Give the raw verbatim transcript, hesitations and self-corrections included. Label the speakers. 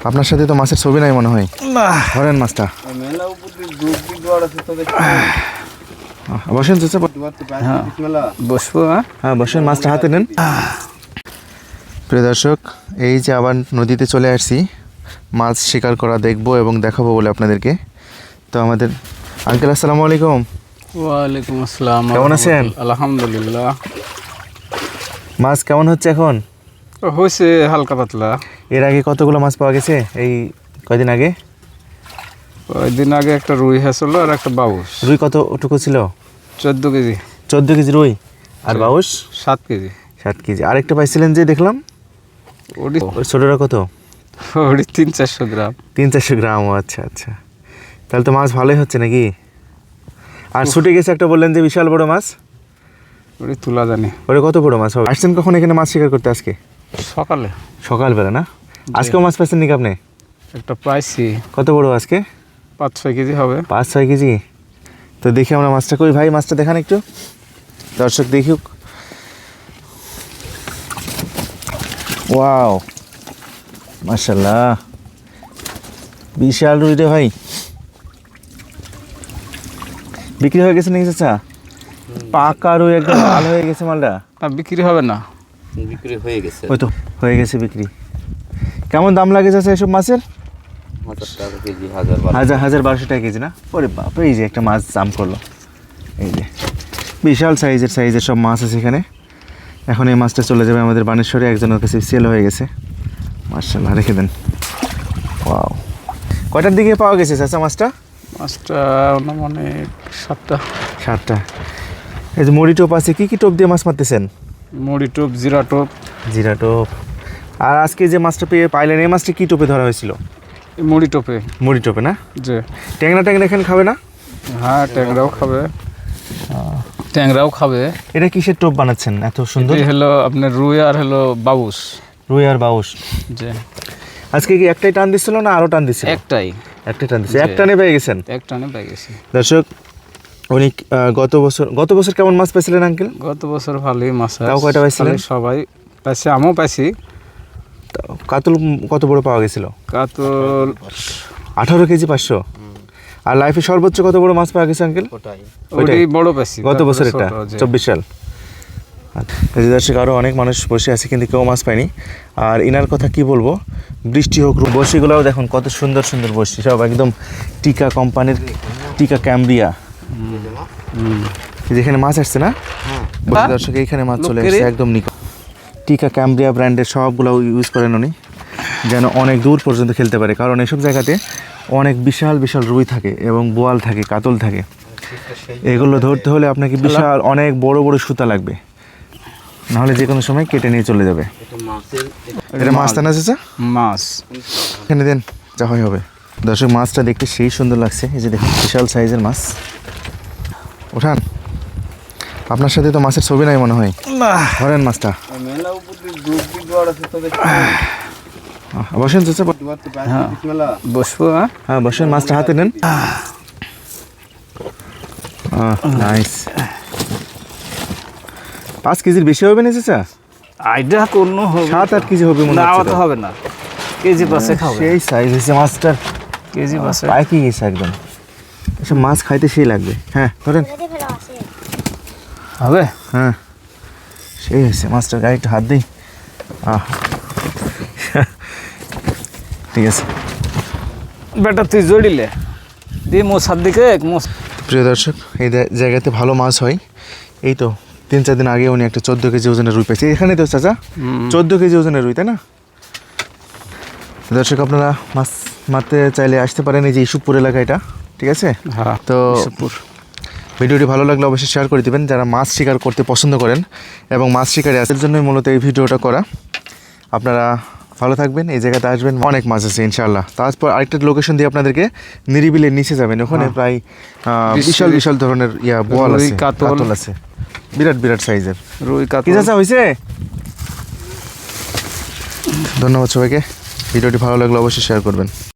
Speaker 1: আপনার সাথে তো মাছের ছবি নাই মনে হয়। ধরেন মাছটা। বসেন চাচা,
Speaker 2: বসবো।
Speaker 1: হ্যাঁ বসেন, মাছটা হাতে নেন। প্রিয় দর্শক, এই যে আবার নদীতে চলে আসছি মাছ শিকার করা দেখবো এবং দেখাবো বলে আপনাদেরকে। তো আমাদের আঙ্কেল আসসালামু আলাইকুম।
Speaker 2: ওয়ালাইকুম আসসালাম।
Speaker 1: কেমন আছেন?
Speaker 2: আলহামদুলিল্লাহ।
Speaker 1: মাছ কেমন হচ্ছে এখন?
Speaker 2: হয়েছে হালকা পাতলা।
Speaker 1: এর আগে কতগুলো মাছ পাওয়া গেছে এই কয়দিন আগে?
Speaker 2: কয়েকদিন আগে একটা রুই হয়েছিল আর একটা বাউস।
Speaker 1: রুই কতটুকু ছিল?
Speaker 2: চোদ্দ কেজি।
Speaker 1: চোদ্দ কেজি রুই আর বাউস
Speaker 2: সাত কেজি।
Speaker 1: সাত কেজি। আরেকটা পাইছিলেন যে দেখলাম,
Speaker 2: ওটি
Speaker 1: ছোটটা কত?
Speaker 2: ওটি তিন চারশো গ্রাম।
Speaker 1: তিন চারশো গ্রাম। ও আচ্ছা আচ্ছা, তাহলে তো মাছ ভালোই হচ্ছে নাকি? আর ছুটে গেছে একটা বললেন যে বিশাল বড় মাছ,
Speaker 2: ওটি তুলা জানি।
Speaker 1: ওটা কত বড় মাছ হবে? আসছেন কখন এখানে মাছ শিকার করতে? আজকে
Speaker 2: সকালে
Speaker 1: সকালবেলা না? আজকেও মাছ পাইছেন নাকি আপনি?
Speaker 2: একটা পাইছি।
Speaker 1: কত বড় আজকে?
Speaker 2: পাঁচ ছয় কেজি হবে।
Speaker 1: পাঁচ ছয় কেজি। তো দেখি আমরা মাছটা, কই ভাই মাছটা দেখান একটু, দর্শক দেখুক। ওয়াও মাশাআল্লাহ, বিশাল রুই রে ভাই। বিক্রি হয়ে গেছে নাকি চাচা? পাকা রুই, একদম লাল হয়ে গেছে মালটা।
Speaker 2: তা বিক্রি হবে না?
Speaker 3: বিক্রি হয়ে গেছে।
Speaker 1: ওই তো হয়ে গেছে বিক্রি। কেমন দাম লাগে চাচা এসব মাছের?
Speaker 3: হাজার টাকা কেজি, হাজার
Speaker 1: হাজার হাজার বারোশো টাকা কেজি না? ওরে বাপ, এই যে একটা মাছ দাম করলো, এই যে বিশাল সাইজের সাইজের সব মাছ আছে এখানে। এখন এই মাছটা চলে যাবে আমাদের বানেশ্বরে, একজনের কাছে সেল হয়ে গেছে। মাশাআল্লাহ, রেখে দেন। ওয়াও, কয়টার দিকে পাওয়া গেছে চাচা মাছটা?
Speaker 2: মাছটা মানে সাতটা।
Speaker 1: সাতটা। এই যে মুড়ি টোপ আছে, কী কী টোপ দিয়ে মাছ মারতেছেন?
Speaker 2: মুড়ি টোপ, জিরা টোপ।
Speaker 1: জিরা টোপ। আর আজকে যে মাছটা পেয়ে পাইলেন, এই মাছটা কী টোপে ধরা হয়েছিল?
Speaker 2: মুড়ি টোপে।
Speaker 1: মুড়ি টোপে না?
Speaker 2: যে
Speaker 1: ট্যাংরা ট্যাংরা এখানে খাবে না?
Speaker 2: হ্যাঁ, ট্যাংরাও খাবে। ট্যাংরাও খাবে।
Speaker 1: এটা কিসের টোপ বানাচ্ছেন এত সুন্দর?
Speaker 2: এই হলো আপনার রুই আর হলো বাউস।
Speaker 1: রুই আর বাউস।
Speaker 2: যে
Speaker 1: আজকে কি একটাই টান দিচ্ছিল না আরও টান দিচ্ছিল?
Speaker 2: একটাই।
Speaker 1: একটাই টান দিচ্ছে, এক টানে পেয়ে গেছেন?
Speaker 2: এক টানে পেয়ে গেছি।
Speaker 1: দর্শক, উনি আহ, গত বছর গত বছর কেমন মাছ পেয়েছিলেন আঙ্কেল?
Speaker 2: গত বছর ভালোই মাছ।
Speaker 1: তাও কয়টা পাইছিলেন?
Speaker 2: সবাই পাইছে, আমিও পাইছি।
Speaker 1: কাতল কত বড় পাওয়া গেছিল?
Speaker 2: কাতল
Speaker 1: আঠারো কেজি পাঁচশো। আর লাইফে সর্বোচ্চ কত বড় মাছ পাওয়া গেছে আঙ্কেল?
Speaker 2: ওটাই বড় পাইছি
Speaker 1: গত বছর, এটা চব্বিশ সাল। এই যে দর্শক, আরও অনেক মানুষ বসে আছে কিন্তু কেউ মাছ পায়নি। আর ইনার কথা কি বলবো, বৃষ্টি হোক, বড়শিগুলোও দেখুন কত সুন্দর সুন্দর বড়শি, সব একদম টিকা কোম্পানির, টিকা ক্যামব্রিয়া। যেখানে মাছ আসছে না দর্শক, এইখানে মাছ চলে আসছে একদম নিকট। টিকা ক্যামব্রিয়া ব্র্যান্ডের সবগুলো ইউজ করেন উনি, যেন অনেক দূর পর্যন্ত খেলতে পারে। কারণ এসব জায়গাতে অনেক বিশাল বিশাল রুই থাকে এবং বোয়াল থাকে, কাতল থাকে। এগুলো ধরতে হলে আপনাকে বিশাল অনেক বড় বড় সুতা লাগবে, নাহলে যে কোনো সময় কেটে নিয়ে চলে যাবে। এটা মাছ টানা চাচা?
Speaker 2: মাছ
Speaker 1: এখানে দেন, যা হয় হবে। দর্শক, মাছটা দেখতে সেই সুন্দর লাগছে। এই যে দেখুন, বিশাল সাইজের মাছ। ওঠান, আপনার সাথে তো মাছের ছবি নাই মনে হয়। ধরেন মাছটা। বসেন চাচা,
Speaker 2: বসবো।
Speaker 1: হ্যাঁ বসেন, মাছটা হাতে নেন। নাইস। পাঁচ কেজির বেশি হবে না চাচা?
Speaker 2: আইডা কোনো হবে,
Speaker 1: সাত আট কেজি হবে মনে
Speaker 2: না
Speaker 1: হচ্ছে।
Speaker 2: তো হবে না, কেজি পাশে খাবে।
Speaker 1: সেই সাইজ হয়েছে মাছটার,
Speaker 2: কেজি পাশে
Speaker 1: পাইকি গেছে একদম। এসব মাছ খাইতে সেই লাগবে। হ্যাঁ ধরেন,
Speaker 2: হবে।
Speaker 1: হ্যাঁ সেই হয়েছে মাছটার, গায়ে একটু হাত দিই। আহ ঠিক আছে
Speaker 2: বেটা, তুই জড়িলে দি মোসার দিকে মোস।
Speaker 1: প্রিয় দর্শক, এই জায়গাতে ভালো মাছ হয়। এই তো তিন চার দিন আগে উনি একটা চোদ্দো কেজি ওজনের রুই পেয়েছে এখানে তো চাচা, চোদ্দো কেজি ওজনের রুই, তাই না? দর্শক, আপনারা মাছ মারতে চাইলে আসতে পারেন এই যে ইসুপুর এলাকা, এটা ঠিক আছে।
Speaker 2: হ্যাঁ,
Speaker 1: তো ভিডিওটি ভালো লাগলে অবশ্যই শেয়ার করে দেবেন যারা মাছ শিকার করতে পছন্দ করেন এবং মাছ শিকারে আসার জন্যই মূলত এই ভিডিওটা করা। আপনারা ভালো থাকবেন, এই জায়গাতে আসবেন, অনেক মাছ আছে ইনশাআল্লাহ। তারপর আরেকটা লোকেশন দিয়ে আপনাদেরকে নিরিবিলের নিচে যাবেন, ওখানে প্রায় বিশাল বিশাল ধরনের ইয়া বোয়াল আছে, কাতল আছে, বিরাট বিরাট সাইজের
Speaker 2: রুই কাতল।
Speaker 1: কি চাচা হয়েছে? ধন্যবাদ সবাইকে, ভিডিওটি ভালো লাগলে অবশ্যই শেয়ার করবেন।